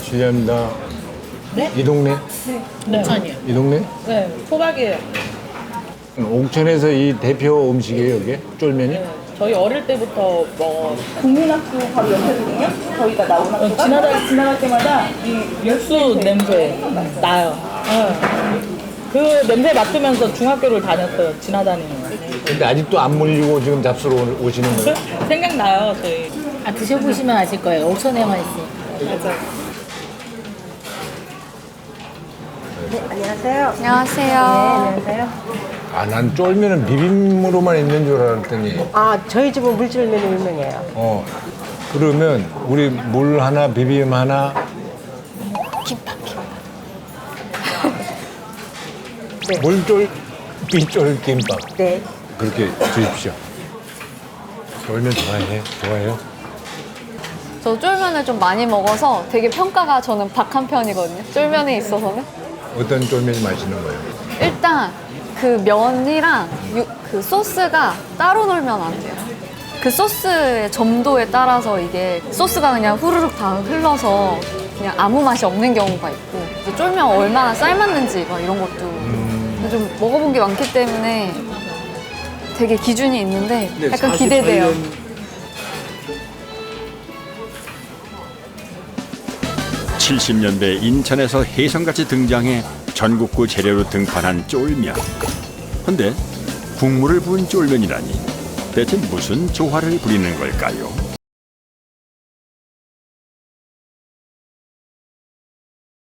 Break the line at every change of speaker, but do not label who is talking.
실례합니다.
네?
이 동네?
네. 아니요.
이 동네?
네, 토박이에요.
옥천에서 이 대표 음식이에요, 이게? 쫄면이?
네. 저희 어릴 때부터 뭐
국민학교 바로 옆이거든요. 저희가 나온 학교가 지나갈 때마다 이
육수 냄새 나요. 네. 그 냄새 맡으면서 중학교를 다녔어요. 지나다니는.
근데 아직도 안 물리고 지금 잡수러 오시는 거예요?
생각나요, 저희.
아, 드셔보시면 아실 거예요. 옥천에만 있으니까.
맞아요.
안녕하세요.
안녕하세요.
안녕하세요.
아, 난 쫄면은 비빔으로만 있는 줄 알았더니.
아, 저희 집은 물쫄면이 유명해요.
그러면 우리 물 하나, 비빔 하나.
네.
물쫄, 비쫄 김밥.
네.
그렇게 주십시오. 쫄면 좋아해요?
저 쫄면을 좀 많이 먹어서 되게 평가가 저는 박한 편이거든요. 쫄면에 있어서는.
어떤 쫄면이 맛있는 거예요?
일단 그 면이랑 그 소스가 따로 놀면 안 돼요. 그 소스의 점도에 따라서 이게 소스가 그냥 후루룩 다 흘러서 그냥 아무 맛이 없는 경우가 있고 이제 쫄면 얼마나 삶았는지 막 이런 것도 좀 먹어본 게 많기 때문에 되게 기준이 있는데 약간 기대돼요.
70년대 인천에서 혜성같이 등장해 전국구 재료로 등판한 쫄면. 근데 국물을 부은 쫄면이라니 대체 무슨 조화를 부리는 걸까요?